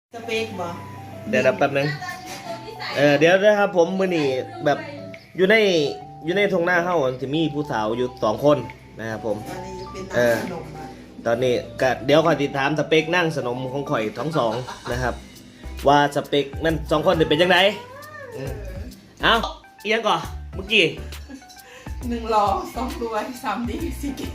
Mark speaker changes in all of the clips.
Speaker 1: สเปกบ่
Speaker 2: เดี๋ยวแป๊บนึงเดี๋ยวนะครับผมมื้อนี้แบบอยู่ในทุ่งนาเฮาจะมีผู้สาวอยู่2คนนะครับผมตอนนี้ก็เดี๋ยวขอติดตามสเปคนั่งสนมของข่อยทั้งสองนะครับว่าสเปคนั่น2คนจะเป็นยังไงเอาเอียงก่อนเมื่อกี้
Speaker 1: 1 ล้อ 2 ตัว 3 ดี 4 เก่ง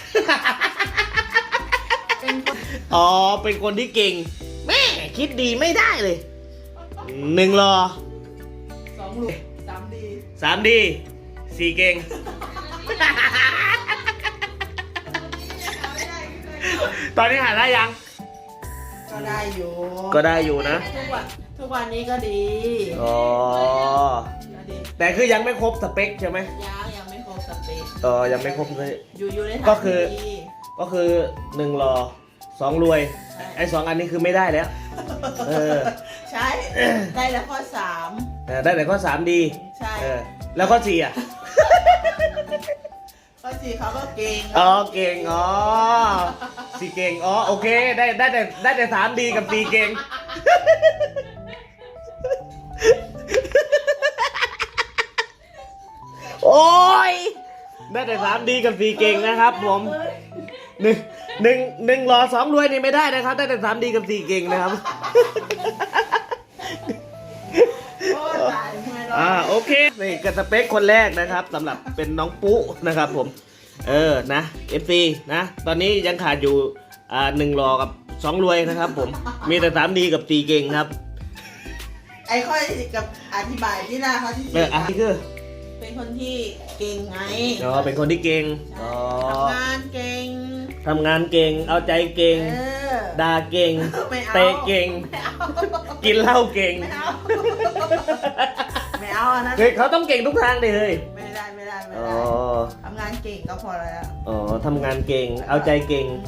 Speaker 2: อ๋อเป็นคนที่เก่งแม่คิดดีไม่ได้เลย1 รอ
Speaker 1: 2 ลูก 3 ดี
Speaker 2: 3 ดี 4 เก่งตอนนี้หาได้ยัง
Speaker 1: ก็ได้อยู่
Speaker 2: นะ
Speaker 1: ทุกวันนี้ก็ดี
Speaker 2: อ๋อแต่คือยังไม่ครบสเปคใช่ไหม
Speaker 1: ยังไม่ครบสเปค
Speaker 2: ยังไม่ครบเลย
Speaker 1: อยู่ใน
Speaker 2: ก็คือ1 รอ 2 รวยไอ้2 อันนี้คือไม่ได้แล้ว
Speaker 1: ใช่ได้แล้วข้อ3
Speaker 2: ได้แต่ข้อ3ดี
Speaker 1: ใช่
Speaker 2: แล้วข้อ4อ่ะ
Speaker 1: ข้อ4เขาก็เก่ง
Speaker 2: เก่ง4 เก่งโอเคได้แต่3 ดีกับ4 เก่งโอ้ยได้แต่3 ดีกับ4 เก่งนะครับผมหนึ่งรอ 2 รวยนี่ไม่ได้นะครับได้แต่3 ดีกับ4 เก่งนะครับโอเคนี่กระสเปคคนแรกนะครับสำหรับเป็นน้องปุ๊นะครับผมนะ FC นะตอนนี้ยังขาดอยู่1 รอกับ 2 รวยนะครับผมมีแต่3 ดีกับ4 เก่งครับ
Speaker 1: ไอ้ข้อกับอธิบายที่หน้าเขาที่
Speaker 2: คือ
Speaker 1: เป็นคนที่เก่งไง
Speaker 2: เป็นคนที่เก่ง
Speaker 1: ทำงานเก่ง
Speaker 2: เอาใจเก่งด่าเก่งเตะเก่งกินเหล้าเก่ง
Speaker 1: ไม่เอานะ
Speaker 2: เขาต้องเก่งทุกทางเลยเฮ้ย
Speaker 1: ไม่ได้ทำงานเก่งก็พอแล้ว
Speaker 2: ทำงานเก่งเอาใจเก่ง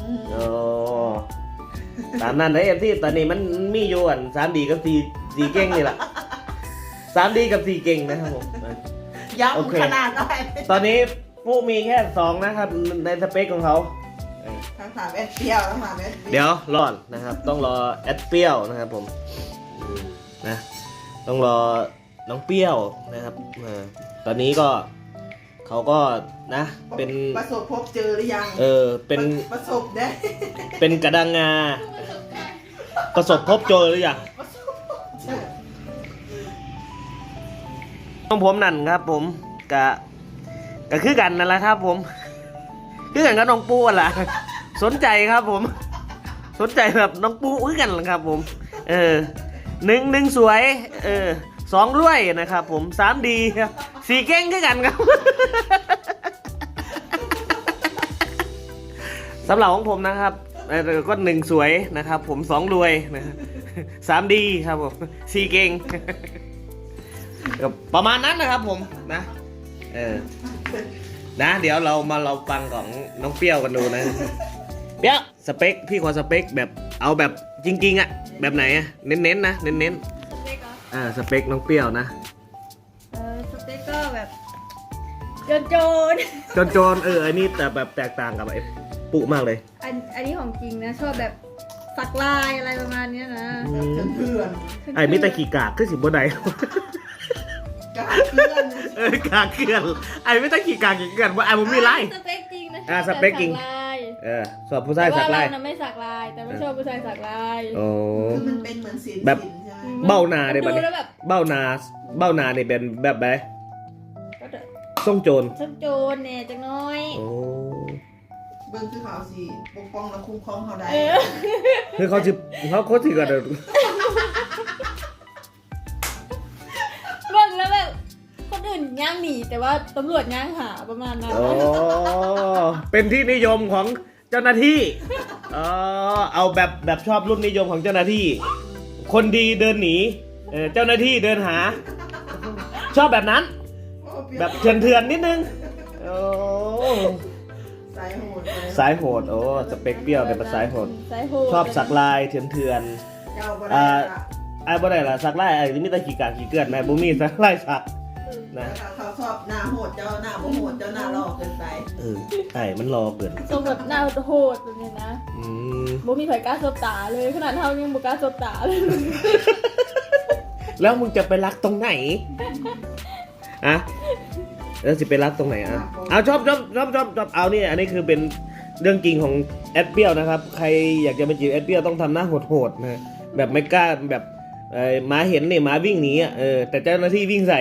Speaker 2: ตามนั้นเลยที่ตอนนี้มันมีอยู่3 ดีกับ4 เก่งนี่แหละ3 ดีกับ4 เก่งนะครับผม
Speaker 1: ย้ำขนาดหน่อย
Speaker 2: ตอนนี้ผู้มีแค่2นะครับในสเปคของเขา
Speaker 1: ทั้ง3 แอดเปรี้ยวทั้ง3 แอด
Speaker 2: เดี๋ยวรอดนะครับต้องรอแอดเปรี้ยวนะครับผมนะต้องรอน้องเปรี้ยวนะครับตอนนี้ก็เขาก็นะเป็น
Speaker 1: ประสบพบเจอหรือยัง
Speaker 2: เป็น
Speaker 1: ประสบได้
Speaker 2: เป็นกระดังงาประสบพบเจอหรือยังผมนั่นครับผมกะคือกันนั่นแหละครับผมคือกันกับน้องปูอ่ะสนใจครับผมสนใจแบบน้องปูคือกันครับผมหนึ่งสวย2 รวยนะครับผม3 ดี4 เก่งคือกันครับสำหรับของผมนะครับก็1 สวยนะครับผม2 รวยนะครับ3 ดีครับผม4 เก่งประมาณนั้นนะครับผมนะนะเดี๋ยวเราฟังของน้องเปรี้ยวกันดูนะเปรี้ยวสเปคพี่ขอสเปคแบบเอาแบบจริงๆอ่ะแบบไหนอ่ะเน้นๆนะเน้นๆสเปคน้องเปรี้ยวนะ
Speaker 3: สเปคก็แบบโจน
Speaker 2: อันนี้แต่แบบแตกต่างกับไอ้ปุ๊มากเลย
Speaker 3: อันนี้ของจริงนะชอบแบบสักลายอะไรประมาณนี้นะ
Speaker 1: เพื่อน
Speaker 2: ไอ้มิตรขี่กากขึ้นสิบนไหน
Speaker 1: กากเกลื่อน
Speaker 2: ไอ้ไม่ต้องขี่กากขี่เกลื่อนว่าไอ้ผมมีไล่
Speaker 3: สเปคจริงนะ
Speaker 2: สเปคจริงสอบผู้ชายสักลาย
Speaker 3: แต่ว่าเราไม่สักลายแต่ไม่ชอบผู้ชายสักลาย
Speaker 1: คือมันเป็นเหมือนศิลป์
Speaker 2: แบบเบ้านาเนี่ยแบบเบ้านาเนี่ยเป็นแบบไหนส่งโจร
Speaker 3: เนี่ยจังน้อย
Speaker 1: เบิ้งคือเขาสิปกป้องและคุ้มครองเขาได้
Speaker 2: คือเขาโคตรถือกันเลย
Speaker 3: เบิ้งแล้วแบบคนอื่นย่างหนีแต่ว่าตำรวจย่างหาประมาณนั้น
Speaker 2: เป็นที่นิยมของเจ้าหน้าที่เอาแบบชอบรุ่นนิยมของเจ้าหน้าที่คนดีเดินหนีเจ้าหน้าที่เดินหาชอบแบบนั้นแบบเถื่อนนิดนึงสายโหดสเปคเปรี้ยวเป็นสายโหดชอบสักลายเถื่อนไอ้บ่ได้ล่ะสักลายไอ้นี่แต่ขี่กากขี่เกลื่อนแม่บุ้มี่สักลายสักนะ
Speaker 1: เขาชอบหน้าโหดเจ้าหน้าบ่โหดเจ้าหน้าหลอกเกินไป
Speaker 2: ไอ้มันรอเกิน
Speaker 3: ทรงแบบหน้าโหดแบบนี้นะ
Speaker 2: อืม
Speaker 3: บ่มีไผกล้าสบตาเลยขนาดเท่ายังบ่กล้าสบตาเลย
Speaker 2: แล้วมึงจะไปรักตรงไหนอะแล้วจะไปรักตรงไหนอะเอาชอบเอานี่อันนี้คือเป็นเรื่องจริงของแอดเปียวนะครับใครอยากจะไปจีบแอดเปียวต้องทำหน้าโหดๆนะแบบไม่กล้าแบบหมาเห็นเนี่ยหมาวิ่งหนีอ่ะแต่เจ้าหน้าที่วิ่งใส่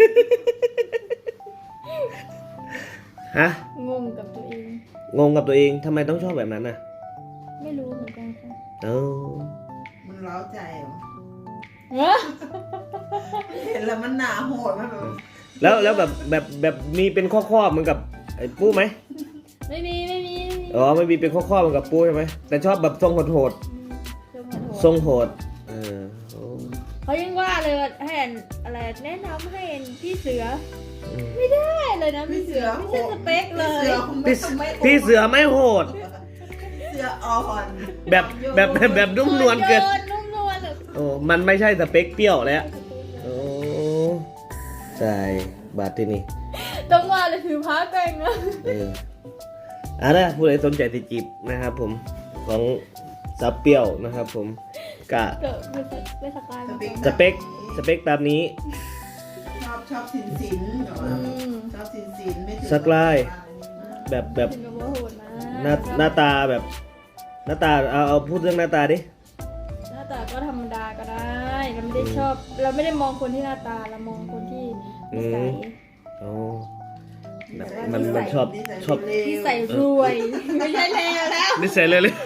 Speaker 2: ฮะ
Speaker 3: งงกับตัวเอง
Speaker 2: งงกับตัวเองทำไมต้องชอบแบบนั้นน่ะ
Speaker 3: ไม่รู้เหมือนกันค่ะ
Speaker 2: เออ
Speaker 1: มันเล้าใจเหรอ
Speaker 3: เอ้อ
Speaker 1: เห็นแล้วมันหน้าโหดมันแบบ
Speaker 2: แล้วแบบมีเป็นข้อๆเหมือนกับไอ้ปู้ไหม
Speaker 3: ไม่มี
Speaker 2: อ๋อไม่มีเป็นข้อๆเหมือนกับปู้ใช่ไหมแต่ชอบแบบทรงโหด
Speaker 3: ทรงโหด
Speaker 2: ทรงโหดโอ้
Speaker 3: เขายังว่าเลยว่าให้อันอะไรแนะนำให้อันพี่เสือ
Speaker 2: อืม
Speaker 3: ไม่ได้เลยนะพี่เสือไม่ใช่สเปคเลย
Speaker 2: พี่เสือไม่โหด
Speaker 1: เสืออ่อน
Speaker 2: แบบนุ่มนวลเกิน
Speaker 3: นุ่มนวลแบบ
Speaker 2: โอ้มันไม่ใช่สเปคเปรี้ยวแล้วโอ้ใช่บาทที่นี่
Speaker 3: ต้องว่าเลยถือพ้าแกงนะ
Speaker 2: นะผู้ใดสนใจติดจีบนะครับผมของสาวเปรี้ยวนะครับผมกะ
Speaker 3: เกิดไม่สกายมาก่อน
Speaker 2: สเปคตามนี้
Speaker 1: ชอบสินแบบว่าชอบสินไม่ถึง
Speaker 2: สักลาย แบบ
Speaker 3: ถึงกับว่าโหดนะ
Speaker 2: หน้าตาแบบหน้าตาเอาพูดเรื่องหน้าตาดิ
Speaker 3: หน้าตาก็ธรรมดาก็ได้เราไม่ได้ชอบ เราไม่ได้มองคนที่หน้าตาเรามองคนที่นิสัย
Speaker 2: โอ้แบบมันชอบ
Speaker 3: นิสัยรวย ไม่ใช่เลวแล้ว
Speaker 2: นิสัยเลย
Speaker 3: รวย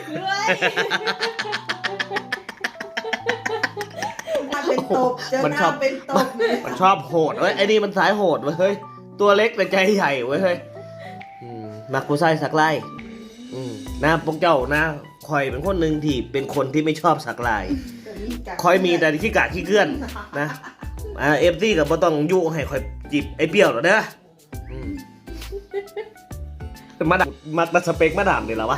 Speaker 1: มาเป็นตบเจอหน้าเป็นตบเลย
Speaker 2: มันชอบโหดเว้ยไอ้นี่มันสายโหดเว้ยเฮ้ยตัวเล็กแต่ใจใหญ่เว้ยเฮ้ยมักผู้ชายสักไล่หน้าพวกเจ้าหน้าคอยเป็นคนหนึ่งที่เป็นคนที่ไม่ชอบสักลายคอยมีแต่ขี้กะขี้เกื้อนนะเอฟซีกับบ่ต้องยุให้คอยจีบไอ้เปรี้ยวหรอกเด้อมาดามมาสเปคมาดามนี่แหละวะ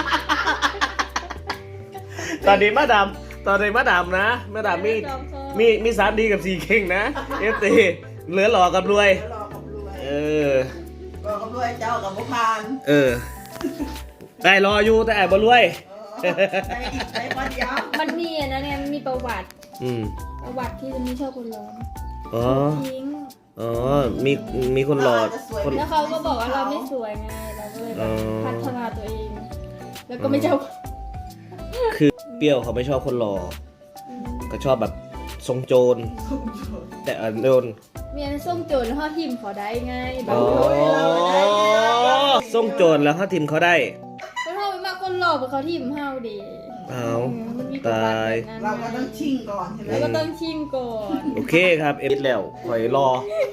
Speaker 2: ตอนนี้มาดามนะมาดามมี3 ดีกับ4เข่งนะเอฟซีเหลือหล่อกับรวย
Speaker 1: รอกับรวย
Speaker 2: ร
Speaker 1: อกับรวยเจ้ากับบุพาน
Speaker 2: ได้รออยู่แต่แอบบ่รวย
Speaker 1: ในวันยาว
Speaker 3: มันมีอะนะเนี่ยมันมีประวัติ ประวัติที่จะมีชอบคนร้อน
Speaker 2: อ๋อ
Speaker 3: ทิ้ง
Speaker 2: อ๋อมีคนหล่อคน
Speaker 3: แล้วเขาก็บอกว่าเราไม่สวยไง เราก็เลยแบบพัฒนาตัวเอง แล้วก็ไม่ชอบ
Speaker 2: คือเปรี้ยวเขาไม่ชอบคนหล่อก็ชอบแบบทรงโจรแต่โดน
Speaker 3: เมียนส่งโจรแล้วเขาทิมเขาได้ไงแบ
Speaker 2: อ๋
Speaker 3: บ
Speaker 2: อทรงโจรแล้วเขาทิมเขาได้
Speaker 3: เขาทำไปมากคนหลอกเพราะเขาทิมเฮาดี
Speaker 2: อ้าว
Speaker 3: มันมีประวัติแบบนั้น
Speaker 1: เราก็ต้องชิงก่อนใช่ไหม
Speaker 3: แล้วก็ต้องชิงก่อน
Speaker 2: โอเคครับเอ็ดแล้วคอยรอ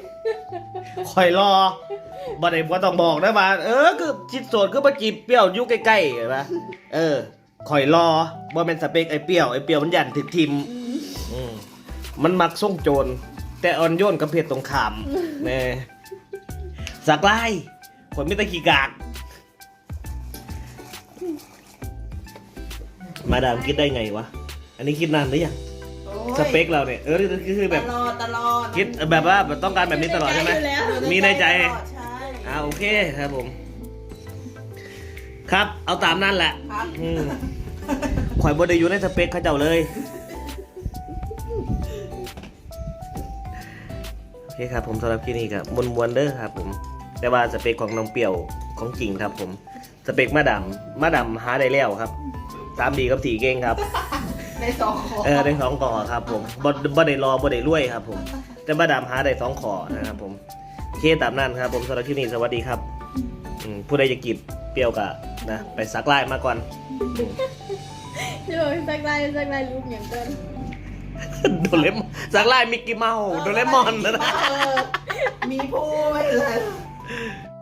Speaker 2: บ่ได้บ่ต้องบอกนะว่าคือชิดโสดคือมาจีบเปรี้ยวอยู่ใกล้ๆเห็นปะคอยรอบ่เป็นสเปคไอ้เปรี้ยวมันยันถึกทิมมันมักส่งโจรแต่อ่อนโยนกับเพศตรงข้ามแน่สักไล่คนไม่ตะขี้กากมาดามคิดได้ไงวะอันนี้คิดนานหรือยังสเปคเราเนี่ยคือแบบ
Speaker 1: ตลอด
Speaker 2: คิดแบบว่าต้องการแบบนี้ตลอดใช่ไหมมีในใจ
Speaker 1: ใช่
Speaker 2: โอเคครับผม ครับเอาตามนั่นแหละ
Speaker 1: ครับ
Speaker 2: ข่อยบไดอยู่ในสเปคเขาเจ้าเลยโอเคครับผมสำหรับคลิปนี้ก็มวนๆเด้อครับผมแต่ว่าสเปคของน้องเปี่ยวของจริงครับผมสเปคมาดำหาได้แล้วครับ3 ดีกับ4เก่งครับ
Speaker 1: ใน2ขอ
Speaker 2: ได้2 ข้อครับผมบ่ได้รอบ่ได้รวยครับผมแต่มาดำหาได้2 ข้อนะครับผมโอเคตามนั้นครับผมสำหรับคลิปนี้สวัสดีครับผู้ใดจะกีบเปรี้ยวกะนะไปซักไล่มาก่อน
Speaker 3: เดี๋ยวสักลายรูปอย่างเกิน
Speaker 2: โดเรมอนซักไล่มิกกี้เมาส์โดเรมอนนะ
Speaker 1: มีผู้ไม่เลย